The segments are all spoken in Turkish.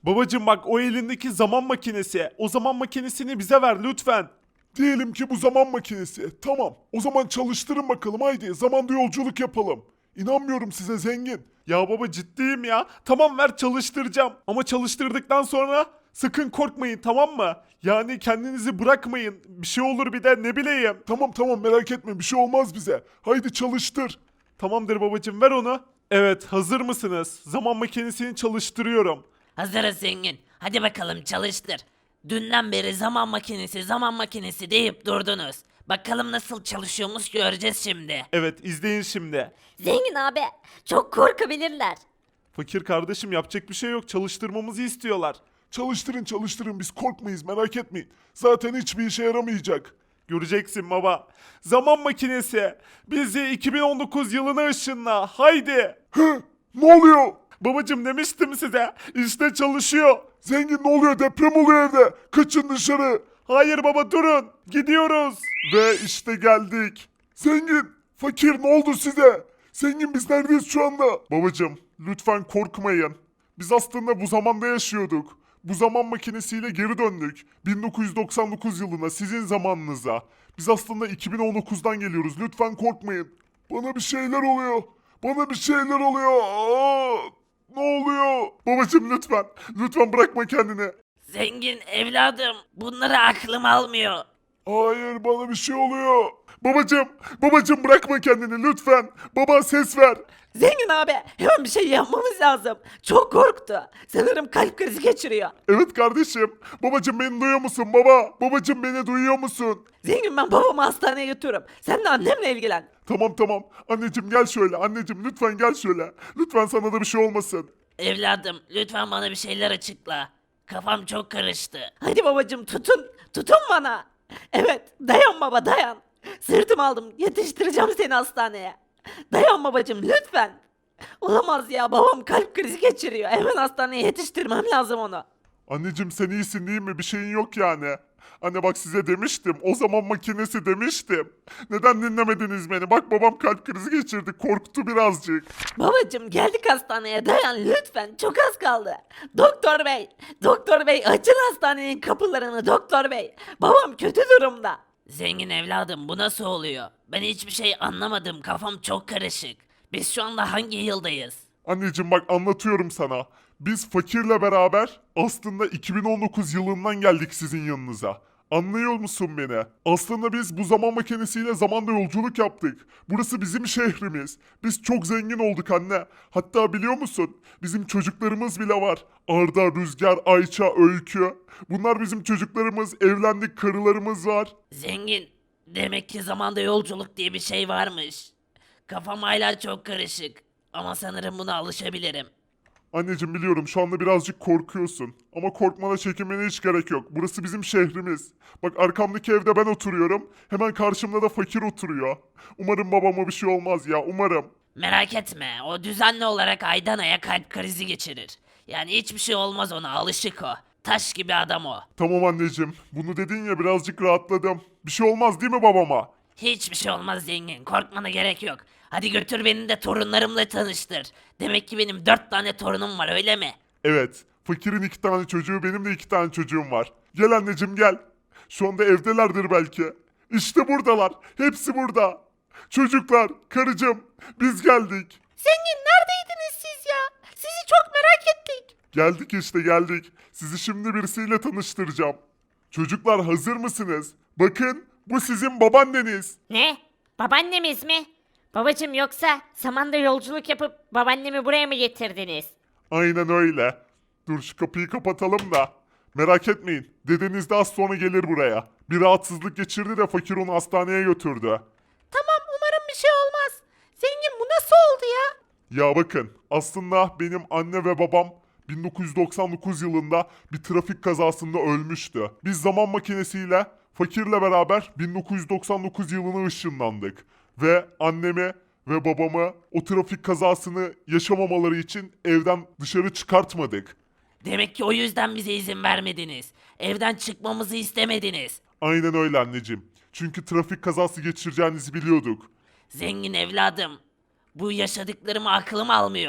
Babacım bak o elindeki zaman makinesi. O zaman makinesini bize ver lütfen. Diyelim ki bu zaman makinesi. Tamam. O zaman çalıştırın bakalım haydi. Zamanda yolculuk yapalım. İnanmıyorum size zengin. Ya baba ciddiyim ya. Tamam ver çalıştıracağım. Ama çalıştırdıktan sonra sakın korkmayın tamam mı? Yani kendinizi bırakmayın. Bir şey olur bir de ne bileyim. Tamam tamam merak etme bir şey olmaz bize. Haydi çalıştır. Tamamdır babacım ver onu. Evet hazır mısınız? Zaman makinesini çalıştırıyorum. Hazırız zengin. Hadi bakalım çalıştır. Dünden beri zaman makinesi deyip durdunuz. Bakalım nasıl çalışıyormuş göreceğiz şimdi. Evet izleyin şimdi. Zengin abi çok korkabilirler. Fakir kardeşim yapacak bir şey yok. Çalıştırmamızı istiyorlar. Çalıştırın çalıştırın biz korkmayız merak etmeyin. Zaten hiçbir işe yaramayacak. Göreceksin baba. Zaman makinesi. Bizi 2019 yılına ışınla. Haydi. Hı? Ne oluyor? Babacım demiştim size. İşte çalışıyor. Zengin ne oluyor deprem oluyor evde. Kaçın dışarı. Hayır baba durun. Gidiyoruz. Ve işte geldik. Zengin, fakir ne oldu size? Zengin biz neredeyiz şu anda? Babacım lütfen korkmayın. Biz aslında bu zamanda yaşıyorduk. Bu zaman makinesiyle geri döndük. 1999 yılına sizin zamanınıza. Biz aslında 2019'dan geliyoruz. Lütfen korkmayın. Bana bir şeyler oluyor. Bana bir şeyler oluyor. Aa, ne oluyor? Babacım lütfen. Lütfen bırakma kendini. Zengin evladım bunları aklım almıyor. Hayır bana bir şey oluyor. Babacım bırakma kendini lütfen. Baba ses ver. Zengin abi hemen bir şey yapmamız lazım. Çok korktu. Sanırım kalp krizi geçiriyor. Evet kardeşim. Babacım beni duyuyor musun baba? Babacım beni duyuyor musun? Zengin ben babamı hastaneye götürürüm. Sen de annemle ilgilen. Tamam. Anneciğim gel şöyle. Anneciğim lütfen gel şöyle. Lütfen sana da bir şey olmasın. Evladım lütfen bana bir şeyler açıkla. Kafam çok karıştı. Hadi babacım tutun. Tutun bana. Evet dayan baba dayan. Sırtım aldım yetiştireceğim seni hastaneye. Dayan babacım lütfen. Olamaz ya babam kalp krizi geçiriyor. Hemen hastaneye yetiştirmem lazım onu. Anneciğim sen iyisin değil mi? Bir şeyin yok yani. Anne bak size demiştim. O zaman makinesi demiştim. Neden dinlemediniz beni? Bak babam kalp krizi geçirdi. Korktu birazcık. Babacım geldik hastaneye dayan lütfen çok az kaldı. Doktor bey, doktor bey açın hastanenin kapılarını doktor bey. Babam kötü durumda. Zengin evladım bu nasıl oluyor? Ben hiçbir şey anlamadım kafam çok karışık. Biz şu anda hangi yıldayız? Anneciğim bak anlatıyorum sana. Biz fakirle beraber aslında 2019 yılından geldik sizin yanınıza. Anlıyor musun beni? Aslında biz bu zaman makinesiyle zamanda yolculuk yaptık. Burası bizim şehrimiz. Biz çok zengin olduk anne. Hatta biliyor musun? Bizim çocuklarımız bile var. Arda, Rüzgar, Ayça, Öykü. Bunlar bizim çocuklarımız. Evlendik, karılarımız var. Zengin, demek ki zamanda yolculuk diye bir şey varmış. Kafam hala çok karışık. Ama sanırım buna alışabilirim. Anneciğim biliyorum şu anda birazcık korkuyorsun. Ama korkmana çekinmene hiç gerek yok. Burası bizim şehrimiz. Bak arkamdaki evde ben oturuyorum. Hemen karşımda da fakir oturuyor. Umarım babama bir şey olmaz ya umarım. Merak etme, o düzenli olarak aydan aya kalp krizi geçirir. Yani hiçbir şey olmaz ona, alışık o. Taş gibi adam o. Tamam anneciğim. Bunu dedin ya birazcık rahatladım. Bir şey olmaz değil mi babama? Hiçbir şey olmaz zengin, korkmana gerek yok. Hadi götür beni de torunlarımla tanıştır. Demek ki benim 4 tane torunum var öyle mi? Evet. Fakirin 2 tane çocuğu benim de 2 tane çocuğum var. Gel anneciğim gel. Şu anda evdelerdir belki. İşte buradalar. Hepsi burada. Çocuklar, karıcığım biz geldik. Zengin neredeydiniz siz ya? Sizi çok merak ettik. Geldik işte geldik. Sizi şimdi birisiyle tanıştıracağım. Çocuklar hazır mısınız? Bakın bu sizin babaanneniz. Ne? Babaannemiz mi? Babacım yoksa zamanda yolculuk yapıp babaannemi buraya mı getirdiniz? Aynen öyle. Dur şu kapıyı kapatalım da. Merak etmeyin. Dedeniz de az sonra gelir buraya. Bir rahatsızlık geçirdi de fakir onu hastaneye götürdü. Tamam umarım bir şey olmaz. Zengin bu nasıl oldu ya? Ya bakın aslında benim anne ve babam 1999 yılında bir trafik kazasında ölmüştü. Biz zaman makinesiyle fakirle beraber 1999 yılına ışınlandık. Ve annemi ve babamı o trafik kazasını yaşamamaları için evden dışarı çıkartmadık. Demek ki o yüzden bize izin vermediniz. Evden çıkmamızı istemediniz. Aynen öyle anneciğim. Çünkü trafik kazası geçireceğinizi biliyorduk. Zengin evladım. Bu yaşadıklarımı aklım almıyor.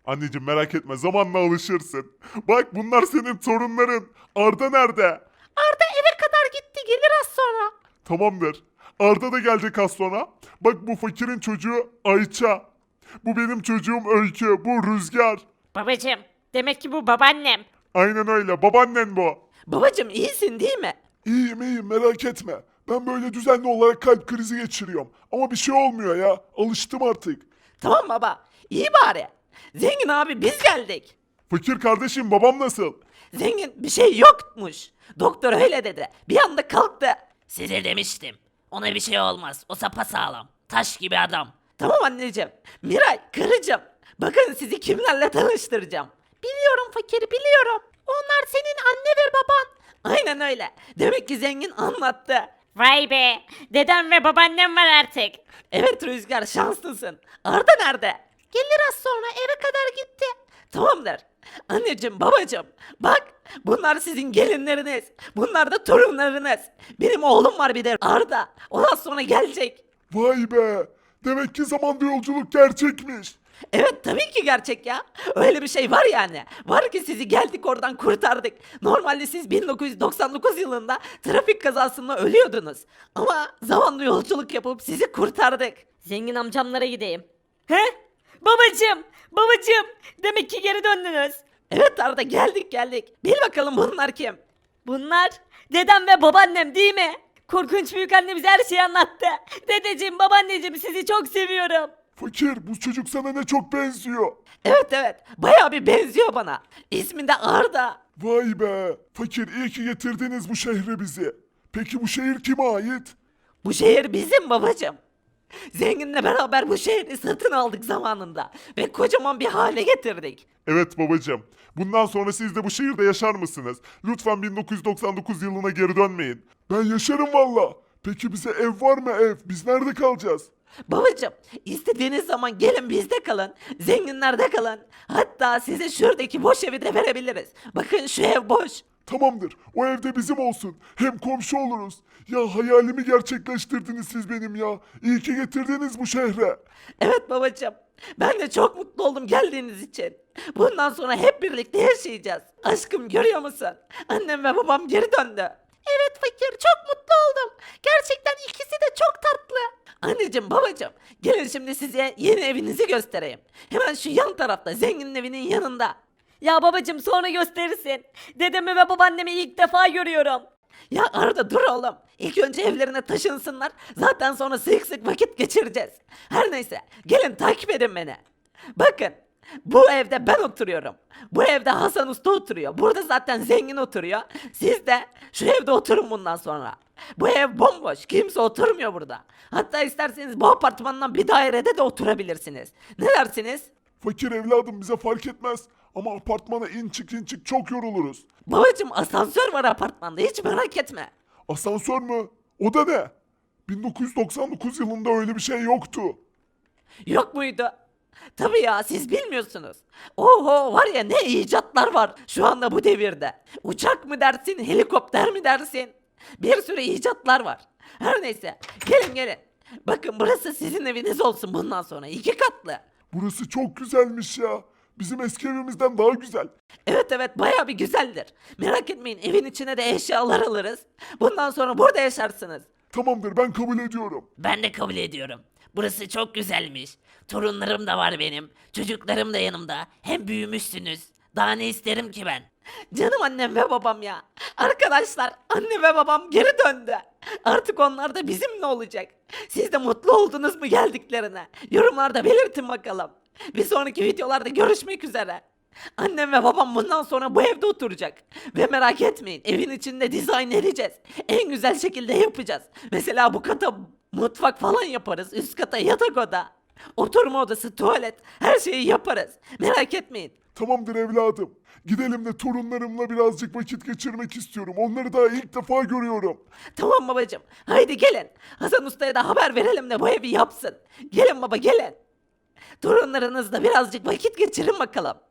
Anneciğim merak etme zamanla alışırsın. Bak bunlar senin torunların. Arda nerede? Arda eve kadar gitti, gelir az sonra. Tamamdır. Arda da gelecek az sonra. Bak bu fakirin çocuğu Ayça. Bu benim çocuğum Öykü. Bu Rüzgar. Babacım demek ki bu babaannem. Aynen öyle. Babaannen bu. Babacım iyisin değil mi? İyiyim iyiyim merak etme. Ben böyle düzenli olarak kalp krizi geçiriyorum. Ama bir şey olmuyor ya. Alıştım artık. Tamam baba, iyi bari. Zengin abi biz geldik. Fakir kardeşim babam nasıl? Zengin bir şey yokmuş. Doktor öyle dedi. Bir anda kalktı. Size demiştim. Ona bir şey olmaz. O sapasağlam. Taş gibi adam. Tamam anneciğim. Miray, karıcığım. Bakın sizi kimlerle tanıştıracağım. Biliyorum fakir, biliyorum. Onlar senin anne ve baban. Aynen öyle. Demek ki zengin anlattı. Vay be dedem ve babaannem var artık. Evet Rüzgar, şanslısın. Arda nerede? Gelir az sonra, eve kadar gitti. Tamamdır. Anneciğim, babacığım, bak bunlar sizin gelinleriniz. Bunlar da torunlarınız. Benim oğlum var bir de Arda. Ondan sonra gelecek. Vay be. Demek ki zamanda yolculuk gerçekmiş. Evet tabii ki gerçek ya. Öyle bir şey var yani. Var ki sizi geldik oradan kurtardık. Normalde siz 1999 yılında trafik kazasında ölüyordunuz. Ama zamanla yolculuk yapıp sizi kurtardık. Zengin amcamlara gideyim. He? Babacım babacım demek ki geri döndünüz. Evet Arda, geldik. Bil bakalım bunlar kim? Bunlar dedem ve babaannem değil mi? Korkunç büyük anne bize her şeyi anlattı. Dedeciğim babaanneciğim sizi çok seviyorum. Fakir bu çocuk sana ne çok benziyor. Evet bayağı bir benziyor bana. İsmi de Arda. Vay be. Fakir iyi ki getirdiniz bu şehre bizi. Peki bu şehir kime ait? Bu şehir bizim babacım. Zenginle beraber bu şehri satın aldık zamanında. Ve kocaman bir hale getirdik. Evet babacığım. Bundan sonra siz de bu şehirde yaşar mısınız? Lütfen 1999 yılına geri dönmeyin. Ben yaşarım valla. Peki bize ev var mı ev? Biz nerede kalacağız? Babacım, istediğiniz zaman gelin bizde kalın. Zenginlerde kalın. Hatta size şuradaki boş evi de verebiliriz. Bakın şu ev boş. Tamamdır. O evde bizim olsun. Hem komşu oluruz. Ya hayalimi gerçekleştirdiniz siz benim ya. İyi ki getirdiniz bu şehre. Evet babacım. Ben de çok mutlu oldum geldiğiniz için. Bundan sonra hep birlikte yaşayacağız. Aşkım, görüyor musun? Annem ve babam geri döndü. Evet fakir, çok mutlu oldum. Gerçekten ikisi de çok tatlı. Anneciğim, babacığım, gelin şimdi size yeni evinizi göstereyim. Hemen şu yan tarafta, zenginin evinin yanında. Ya babacım sonra gösterirsin. Dedemi ve babaannemi ilk defa görüyorum. Ya Arda, dur oğlum. İlk önce evlerine taşınsınlar. Zaten sonra sık sık vakit geçireceğiz. Her neyse, gelin takip edin beni. Bakın, bu evde ben oturuyorum. Bu evde Hasan Usta oturuyor. Burada zaten zengin oturuyor. Siz de şu evde oturun bundan sonra. Bu ev bomboş. Kimse oturmuyor burada. Hatta isterseniz bu apartmandan bir dairede de oturabilirsiniz. Ne dersiniz? Fakir evladım bize fark etmez. Ama apartmana in çık çok yoruluruz. Babacım, asansör var apartmanda, hiç merak etme. Asansör mü? O da ne? 1999 yılında öyle bir şey yoktu. Yok muydu? Tabii ya, siz bilmiyorsunuz. Oho, var ya, ne icatlar var şu anda bu devirde. Uçak mı dersin, helikopter mi dersin? Bir sürü icatlar var. Her neyse, gelin. Bakın, burası sizin eviniz olsun bundan sonra, 2 katlı. Burası çok güzelmiş ya. Bizim eski evimizden daha güzel. Evet bayağı bir güzeldir. Merak etmeyin, evin içine de eşyalar alırız. Bundan sonra burada yaşarsınız. Tamamdır ben kabul ediyorum. Ben de kabul ediyorum. Burası çok güzelmiş. Torunlarım da var benim. Çocuklarım da yanımda. Hem büyümüşsünüz. Daha ne isterim ki ben? Canım annem ve babam ya. Arkadaşlar, anne ve babam geri döndü. Artık onlar da bizimle olacak. Siz de mutlu oldunuz mu geldiklerine? Yorumlarda belirtin bakalım. Bir sonraki videolarda görüşmek üzere. Annem ve babam bundan sonra bu evde oturacak. Ve merak etmeyin, evin içinde dizayn edeceğiz. En güzel şekilde yapacağız. Mesela bu kata mutfak falan yaparız. Üst kata yatak oda. Oturma odası, tuvalet, her şeyi yaparız. Merak etmeyin. Tamamdır evladım. Gidelim de torunlarımla birazcık vakit geçirmek istiyorum. Onları daha ilk defa görüyorum. Tamam babacığım. Haydi gelin. Hasan Usta'ya da haber verelim de bu evi yapsın. Gelin baba, gelin. Torunlarınızla birazcık vakit geçirin bakalım.